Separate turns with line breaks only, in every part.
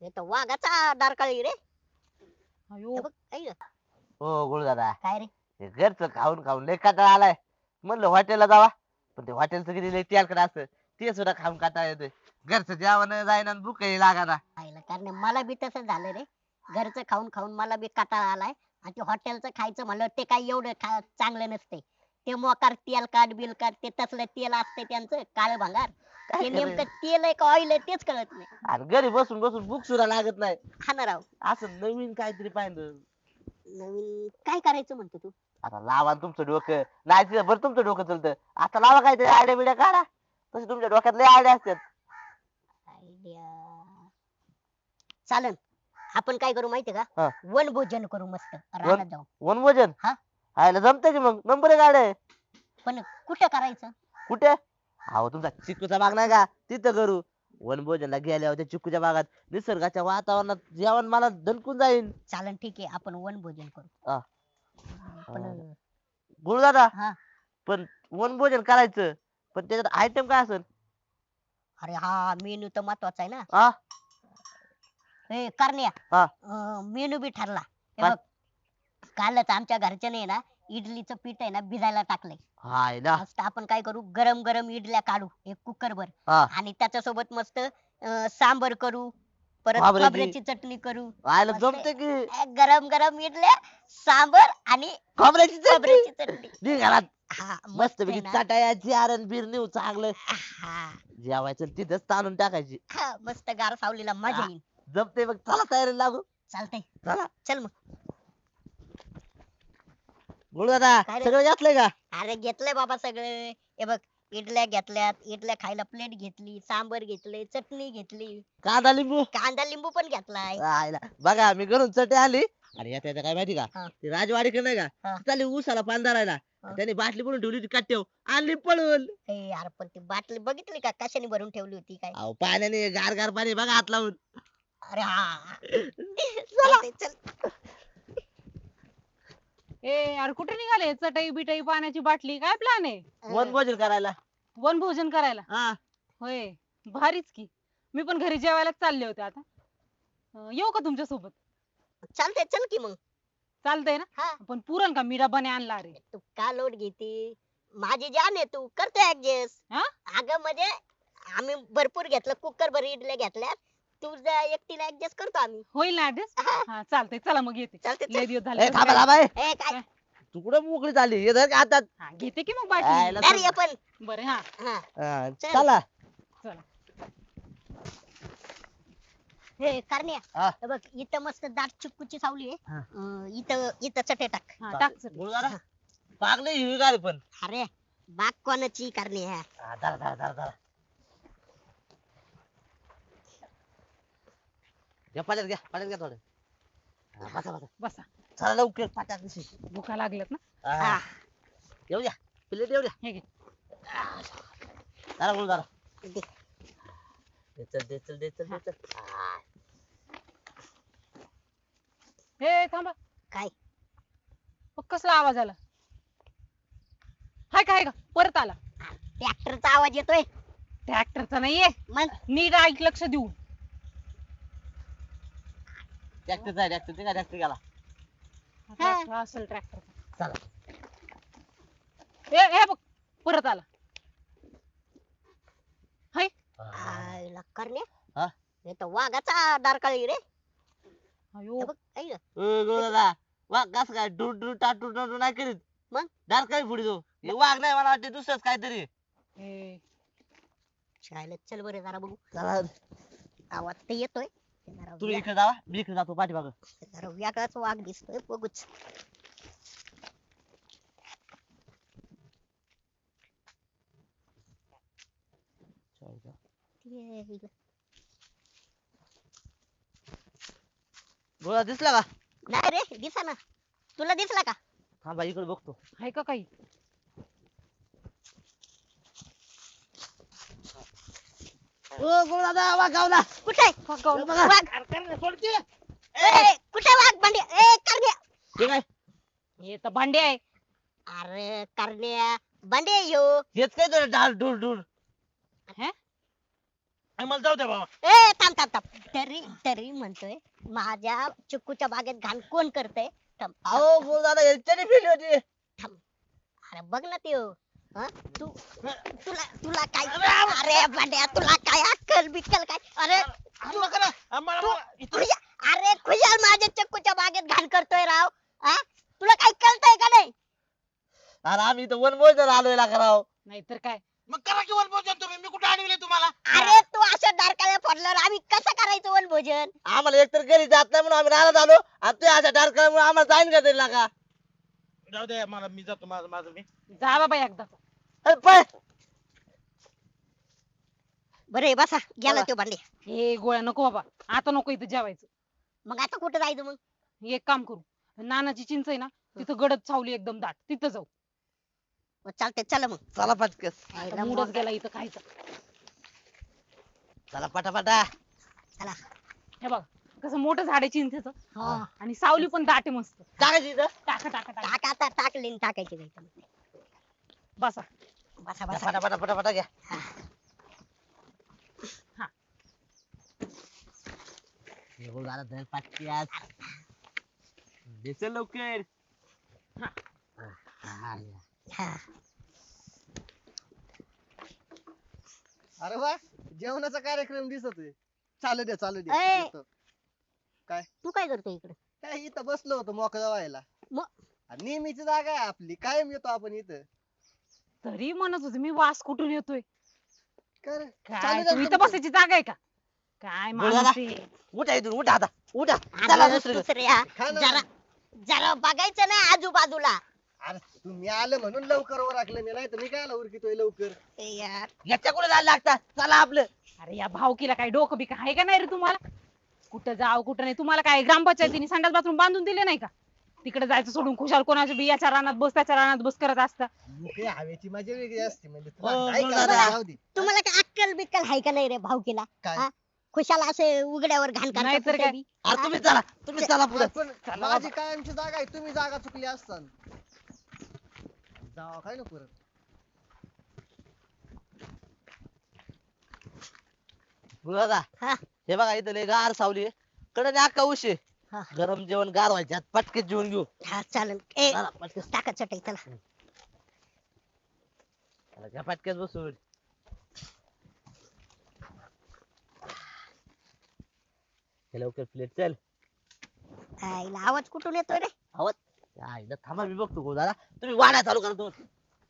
हे तर वाघाचा डारकाळी रे.
अयो
हे बघ ऐक ना.
हो गुरु दादा,
काय रे?
हे घरचं खाऊन खाऊन लय कंटाळा आलाय. म्हणलं हॉटेलला जावा, पण ते हॉटेलचं किती लय तेलकट असतं, ते सुद्धा खाऊन कंटाळा येतोय. घरचं जेवण जाईना आणि भूकही लागाना.
आईला कारण मला बी तसंच झालं रे. घरचं खाऊन खाऊन मला बी कंटाळा आलाय. आणि ते हॉटेलचं खायचं म्हणलं ते काय एवढं चांगलं नसते. ते मोकार तेलकट बिलकट ते तसलं तेल असते त्यांचं काळं भंगार.
काय
ते
करायचं?
नेमकं तेल आहे का ऑइल आहे तेच कळत नाही.
आणि घरी बसून बसून भूक सुद्धा लागत नाही.
हा ना राव.
असं नवीन काहीतरी पाहिजे.
नवीन काय करायचं म्हणतो तू?
आता लावा ना तुमचं डोकं, नाही तिथं बरं तुमचं डोकं चलतं. आता लावा काहीतरी आयडिया बिड्या काढा. तसे तुमच्या डोक्यात लय आयडिया असतात.
आयडिया चालन. आपण काय करू माहितीये
हा.
का? वनभोजन करू मस्त रानात जाऊ.
वनभोजन
हा.
आयला जमतंय की मग, नंबर एक आयडिया आहे.
पण कुठं करायचं?
कुठे? अहो तुमचा चिक्कूचा बाग नाही का, तिथं करू. वनभोजनला गेल्यावर त्या चिक्कूच्या बागात निसर्गाच्या वातावरणात जेवण मला दणकून जाईल.
चालन ठीक आहे आपण वनभोजन करू.
हा.
पण
गुरु दादा,
हा.
पण वनभोजन करायचं, पण त्याच्यात आयटम काय असेल?
अरे हा मेनू तर महत्वाचा आहे ना.
हा
ए करण्या.
हा.
मेनू बी ठरला. हे
काय?
बघ कालच आमच्या घरच्याने ना इडलीचं पीठ आहे ना भिजायला टाकलंय.
हाय ना.
मस्त आपण काय करू गरम गरम इडल्या काढू एक कुकर भर.
हा.
आणि त्याच्यासोबत मस्त सांबर करू. परत
खोबऱ्याची.
खोबऱ्याची चटणी करू.
आयला
मस्त
जमते की.
गरम गरम इडल्या सांबर आणि
खोबऱ्याची
खोबऱ्याची
चटणी
चटणी.
निघाला.
हा
मस्त
मस्त आहे
पैकी
ना.
चाटायची आरण बीर नेऊ चांगलं
हा
जेवायचं आणि तिथंच ताणून टाकायची.
हा, मस्त गार सावलीला मजा
हा.
येईल.
जमते मग, चला तयारीला लागू.
चालतंय.
चला.
चल मग.
गुरु दादा,
काय रे?
सगळं घातलंय का?
अरे घेतलंय बाबा सगळे. हे बघ इडल्या घेतल्यात इडल्या खायला प्लेट घेतली सांबर घेतले चटणी घेतली
कांदा लिंबू.
कांदा लिंबू पण घेतलाय.
आयला बघा, मी घरून चटे आली. आणि येता येता काय माहिती का,
हा.
ते राजवाडीकडे नाही का,
हा.
चालली उसाला पान धरायला.
हा.
त्याने बाटली भरून ठेवली होती कट्ट्याव, आणली पळून.
ए यार पण ती बाटली बघितली का कशाने भरून ठेवली होती काय?
अहो पाण्याने गार गार पाणी बघा हात लावून.
अरे हा चालतंय, चल.
ए यार कुठे निघाले चटई बिटई पाण्याची बाटली काय प्लॅन आहे?
वनभोजन करायला.
वनभोजन करायला?
हा.
होय भारीच की. मी पण घरी जेवायला चालले होते आता. येऊ का तुमच्या सोबत?
चालतंय चल की मग.
चालतंय ना?
हा.
पण पुरण का मी डब्बाने आणला रे.
तू का लोट घेती माझी जान आहे तू करतो ऍडजस्ट.
हा?
अगं म्हणजे आम्ही भरपूर घेतलं कुकर भर इडल्या घेतल्यात तुझ्या एकटीला ऍडजस्ट करतो आम्ही.
होईल ना ऍड्रेस?
हा.
हा चालतंय चला मग येते.
चालतंय, चल.
लय दिवस
ए,
झाले.
थांबा थांबा ए.
ए काय?
तू कुठं मोकळी झाली, हे धर का हातात.
हा, घेते की मग
आयला
बाटली.
अरे पण
बरं हा
हा
हा,
चल.
चला.
चला.
हे करण्या.
हा.
हे बघ इथं मस्त दाट चिक्कूची सावली आहे.
हा.
इथं इथं चटे टाक.
हा टाक चल.
गुरु दादा, पाग नाही हिरवीगार पण.
अरे बाग कोणाची करण्या?
हा, धरा धरा धरा धरा. घ्या पाण्यात, घ्या पाण्यात, घ्या थोडं. हा, बसा बसा.
बसा.
चला लवकर पाट्यात दिशी.
भुका लागल्यात ना?
हा. येऊ द्या, प्लेट येऊ द्या.
हे घे.
चला गुरु दादा.
दे.
दे चल दे चल दे चल दे चल. हा.
हे थांबा.
काय?
कसला आवाज आला? हाय का हाय का परत आला.
ट्रॅक्टरचा आवाज येतोय.
ट्रॅक्टरचा नाहीये.
मग
नीट ऐक लक्ष देऊन.
ट्रॅक्टर आहे, ट्रॅक्टर ते काय ट्रॅक्टर गेला.
हा असेल ट्रॅक्टर.
चला.
हे बघ परत आला. हाय.
आयला करण्या.
हा?
हे तर वाघाचा डारकाळी रे.
अयो
हे बघ ऐक ना.
गुरु दादा, वाघ कस काय डूर डूर टाटू टाटू नाही करीत.
मग?
दार काय पुढे जाऊ, हे वाघ नाही, मला वाटते दुसरंच काहीतरी.
हे
शाळेत चल बरं जरा बघू.
चला
आवाज तर येतोय. जरा
तुम्ही इकडे जावा, मी इकडे जातो पाठीमागं.
जरा वेगळाच वाघ दिसतोय बघूच. ये इकडं.
गोळा दिसला का?
नाही रे दिसा ना. तुला दिसला का?
थांबा इकडे बघतो.
हाय का काही?
ओ गुरु दादा, वाघ गावला.
कुठे
बघा.
वाघ?
सोडते.
ए, कुठे वाघ भांडे ए करण्या?
हे काय?
हे तर भांडे आहे.
अरे करण्या भांडे यो.
हेच काय तुला डार डूर डूर.
हे
मला जाऊ द्या बाबा.
ए थांब थांब थांब तरी तरी म्हणतोय माझ्या चिक्कूच्या बागेत घाण कोण करतय थांब
अहो बोल दादा याच्याने फिरली होती.
अरे बघ ना त्यो हा? तू तुला तुला काय अरे भांड्या तुला काय अक्कल बिक्कल काय अरे
हाणू नका ना.
अरे खुशाल माझ्या चक्कूच्या बागेत घाण करतोय राव हा तुला काही कळतंय का नाही
अरे आम्ही इथं वनभोजन आलोय ना कराव.
नाहीतर काय.
मग करा की वनभोजन तुम्ही. मी कुठे अडविले तुम्हाला?
अरे तू अशा डारकाळ्या फोडल्यावर आम्ही कसं करायचं वनभोजन
आम्हाला एकतर घरी जात नाही म्हणून आम्ही राहण्यात आलो आणि तू अशा डारकामुळे आम्हाला जाईन का तरी लागा.
जाऊ द्या मला. मी जातो माझं माझं मी.
जा बाबा एकदा.
अरे पळ.
बरे बसा गेला तो भांडे
हे गोळ्या नको बाबा. आता नको इथं जेवायचं.
मग आता कुठं जायचं मग
एक काम करू. नानाची चिंच आहे ना तिथं गडद चावली एकदम दाट तिथं जाऊ.
चालते चला मग
चला पटकस.
आता मूडच गेला इथं खायचा.
चला पटापटा.
चला
हे बघ कसं मोठं झाड आहे चिंचेचं
हा
आणि सावली पण दाट आहे मस्त.
टाकायची इथं.
टाका टाका टाका.
टाक आता टाकली टाकायची नाही
बसा.
बसा
घ्या,
बसा
पटापटा पटापटा घ्या.
हा.
हे बोल दादा धर पाटक्यास. बेचल लवकर.
हा.
हा, या.
हा.
अरे वा जेवणाचा कार्यक्रम दिसतोय. चालू द्या चालू
ए!
द्या येतो.
तू काय करतोय इकडे
काय इथं बसलो होतो मोकळा व्हायला.
मग?
आणि नेहमीची जागा आहे आपली. कायम येतो आपण इथं.
तरी म्हणत होते मी वास कुठून येतोय.
काय रे?
काय
चालू द्या
तू इथं
तुमचं.
बसायची जागा आहे का. काय
बोला
माणूस आहे.
उठा इथून उठा आता उठा. चला
अरे
दुसरीकडे.
दुसऱ्या
खा ना.
जरा जरा बघायचं नाही आजूबाजूला
अरे तुम्ही आलं म्हणून लवकर ओरखलं मी. नाही तर मी काय उरकितोय लवकर.
ए यार
याच्या कुठे जायला लागतात. चला आपलं.
अरे या भावकीला काय डोकं बिकं आहे का नाही रे तुम्हाला. कुठं जाव कुठं नाही. तुम्हाला काय ग्रामपंचायतीने संडास बाथरूम बांधून दिले नाही का. तिकडे जायचं सोडून खुशाल कोणाच्या बियाच्या रानात बस त्याच्या रानात बस करत असता.
मोकळी हवेची मजा वेगळी असते म्हणजे
हो,
तुला काय
बोला
करायचं
ना.
जाऊ दे.
तुम्हाला काय अक्कल बिक्कल आहे का नाही रे भाऊकीला
काय?
हा? खुशाला असे उघड्यावर घाण
नाहीतर
करतात
काय?
कुठे बी.
अरे तुम्ही चला तुम्ही चला पुढे.
पण
चला
माझी कायमची जागा आहे. तुम्ही जागा चुकली असतान. जावा काय नको परत.
दादा
हा.
हे बघा इथं लय गार सावली कडे अक्का उशी
हा.
गरम जेवण गार व्हायच्यात पटकेच जेवण घेऊ.
हा चालेल ए
चला पटकेस.
टाका चटई चला
चला, घ्या पटकेस बसून. हे लवकर प्लेट चल.
आईला आवाज कुठून येतोय रे
आवाज. या इथं थांबा मी बघतो गो दादा. तुम्ही वाडा चालू करा तुम्ही.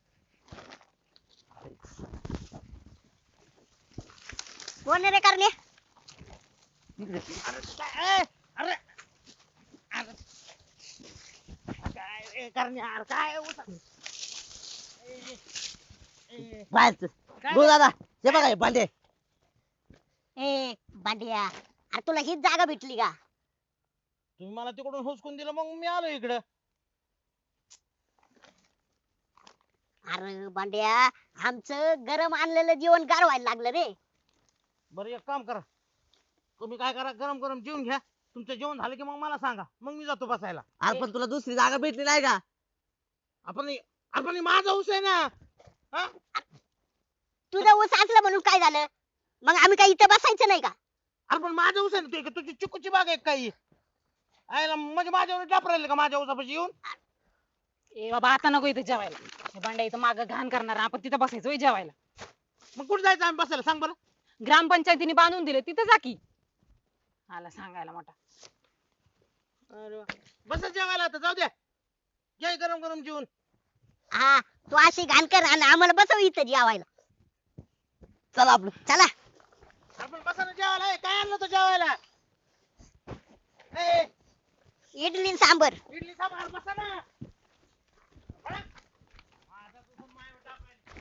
कोण आहे रे करणे
इकडे.
अरे काय करणार काय
बाहेरच. गो दादा हे बघा हे भांडे.
ए बांडिया अरे तुला हीच जागा भेटली का
तुम्ही मला तिकडून हुसकून दिलं मग मी आलो इकडं.
अरे बांड्या आमचं गरम आणलेलं जेवण गार व्हायला लागलं रे
बरं एक काम करा. तुम्ही काय करा गरम गरम जेवून घ्या. तुमचं जेवण झालं की मग मला सांगा. मग मी जातो बसायला.
अरे पण तुला दुसरी जागा भेटली नाही का.
आपण माझा ऊस आहे ना. हा?
तुझं ऊस असलं म्हणून काय झालं मग आम्ही काय इथं बसायचं नाही का
अरे पण माझा ऊस आहे ना. तू तुझी चिकूची बाग आहे काही आयला म्हणजे माझ्यावर डाप राहिले का माझ्या ऊसापाशी येऊन.
ए बाबा आता नको इथं जेवायला. हे भांड्या इथं मागं घाण करणार आपण तिथं बसायचं होय जेवायला.
मग कुठे जायचं आम्ही बसायला सांग बरं.
ग्रामपंचायतीने बांधून दिले तिथं जा की. आला सांगायला मोठा.
अरे वा. बसा जेवायला आता जाऊ द्या. घ्या हे गरम गरम जेवून.
हा तू अशी घाण कर आणि आम्हाला बसव इथं जेवायला
चला आपलं.
चला
आपण बसा ना जेवायला. ए, काय आणलं तो जेवायला. ए,
इडली आणि सांबर
इडली सांबार बसा ना. बरं? माझा तुझं मायावर टाकायला.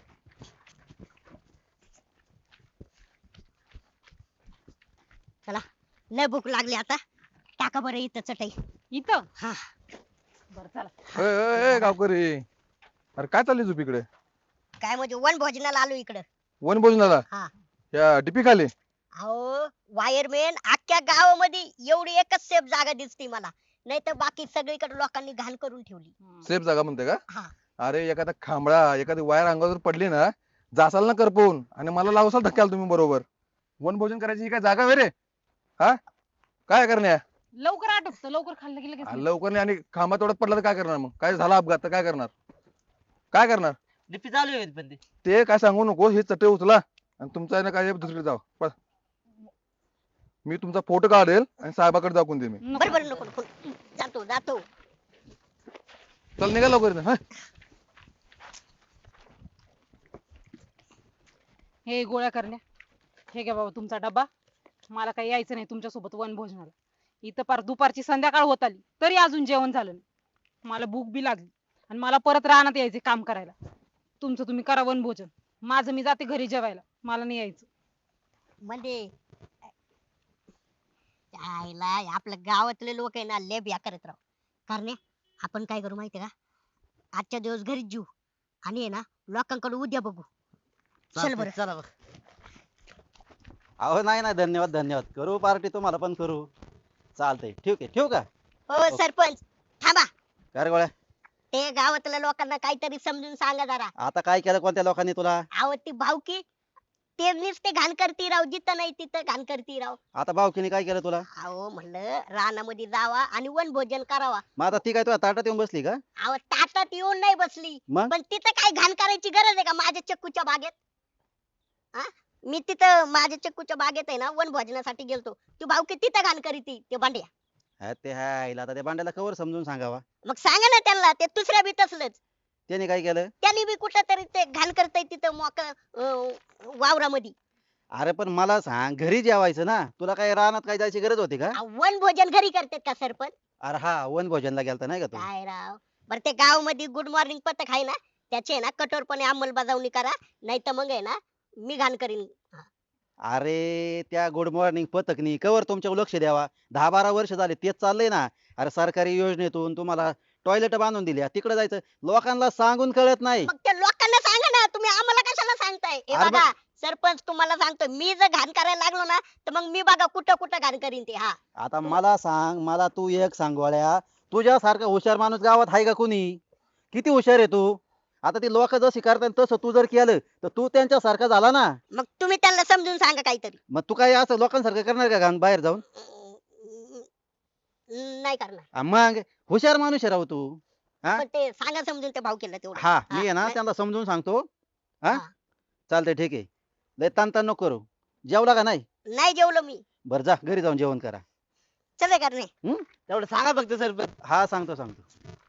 चला लय भूक लागली आता टाका बरं इथं चटई
इथं
हा
बरं चला.
ए गावकरी अरे काय चालली झोप इकडे.
काय म्हणजे वन भोजनाला आलो इकडं
वन भोजनाला
हा
या डिपी खाली.
अहो वायरमॅन अख्ख्या गावामध्ये एवढी एकच सेफ जागा दिसते मला नाही तर बाकी सगळीकडे लोकांनी घाण करून ठेवली
सेफ जागा म्हणते का.
हा
अरे एखादा खांबळा एखादी वायर अंगावर पडली ना जासाल ना करपवून आणि मला लावसाल धक्क्याला तुम्ही बरोबर. वनभोजन करायची ही काय जागा वे रे? हा काय करण्या?
लवकर आटोपतं, लवकर खाल्लं की लगेच नाही.
लवकर नाही आणि खांबा तोडत पडला तर काय करणार? मग काय झाला अपघात तर काय करणार? काय करणार?
डीपी चालू आहे पण ते.
ते काय सांगू नको, हे चटे उचला आणि तुमचा आहे ना काय दुसरीकडे जाऊ. मी तुमचा फोटो काढेल आणि साहेबाकडे दाखवून दे मी.
नको.
बरं बरं नको नको जातो जातो.
चल निघा लवकर इथनं, हा.
हे गोळ्या करण्या, हे घ्या बाबा तुमचा डब्बा. मला काही यायचं नाही तुमच्यासोबत वनभोजनाला. इथं पार दुपारची संध्याकाळ होत आली तरी अजून जेवण झालं नाही. मला भूक बी लागली आणि मला परत रानात यायचे काम करायला. तुमचं तुम्ही करा वनभोजन, माझं मी जाते घरी जेवायला, मला नाही यायचं.
म्हणजे आईला आपल्या गावातले लोक आहे ना लय बिया करत राव. कारण आपण काय करू माहितीये का, आजच्या दिवस घरीच जीव आणि आहे ना लोकांकडे उद्या बघू. चल
चालतंय,
बरं.
चला बघ.
अहो नाही नाही, धन्यवाद धन्यवाद. करू पार्टी तुम्हाला पण करू. चालतंय, ठीक आहे, ठेवू का?
हो सरपंच थांबा.
काय रे गोळ्या,
ते गावातल्या लोकांना काहीतरी समजून सांगा जरा.
आता काय केलं कोणत्या लोकांनी तुला?
अहो ती भावकी ते नुसते घाण करती राव, जिथं नाही तिथं घाण करती राव.
आता भावकीने काय केलं तुला?
अहो म्हणलं रानामध्ये जावा आणि वनभोजन करावा.
मग आता ती काय तुझ्या ताटात येऊन बसली का?
अहो ताटात येऊन नाही बसली,
मग
पण तिथं काय घाण करायची गरज आहे का माझ्या चक्कूच्या बागेत? हा मी तिथं माझ्या चक्कूच्या बागेत आहे ना वनभोजनासाठी गेलतो, ती भावकी तिथं घाण करीती ते भांड्या.
हा, ते हाय आता त्या भांड्याला कवर समजून सांगावा.
मग सांगा ना त्यांना, ते दुसऱ्या बी तसलंच.
त्याने काय केलं?
त्यांनी बी कुठं तरी ते घाण करताय तिथं वावरामध्ये.
अरे पण मला सांग, घरी जेवायचं ना, तुला काय रानात काय जायची गरज होती का?
वनभोजन घरी करतात का सरपंच?
अरे हा, वन भोजनला गेलता नाही का तू?
काय राव, बरं ते गाव मध्ये गुड मॉर्निंग पथक आहे ना, त्याचे ना कठोरपणे अंमलबजावणी करा, नाही तर मग आहे ना मी घाण करीन.
अरे त्या गुड मॉर्निंग पथकनी कवर तुमच्यावर लक्ष द्यावा? 10-12 वर्ष झाले तेच चाललंय ना. अरे सरकारी योजनेतून तुम्हाला टॉयलेट बांधून दिल्या, तिकडे जायचं, लोकांना सांगून कळत नाही.
मग त्या लोकांना सांगा ना, तुम्ही आम्हाला कशाला सांगताय? हे
अरे
बघा सरपंच, तुम्हाला सांगतो, मी जर घाण करायला लागलो ना तर मग मी बघा कुठं कुठं घाण करीन ते. हा
आता मला सांग, मला तू एक सांग गोळ्या, तुझ्यासारखा हुशार माणूस गावात आहे का कुणी? किती हुशार आहे तू. आता ती लोक जशी करतात तसं तू जर केलं तर तू त्यांच्यासारखा झाला ना.
मग तुम्ही त्यांना समजून सांगा काहीतरी.
मग तू काय असं लोकांसारखं करणार का घाण बाहेर जाऊन?
नाही करणार.
मग हुशार माणूस आहे राव तू. हा?
पण ते सांगा समजून त्या भाऊ केला तेवढं.
हा, मी आहे ना
नाही-
त्यांना समजून सांगतो. हा,
हा.
चालतंय, ठीक आहे. लय ताण नको करू. जेवला का नाही?
नाही जेवलो मी.
बरं जा घरी जाऊन जेवण करा.
चले करणे.
तेवढं सांगा फक्त सरपंच.
हा, सांगतो.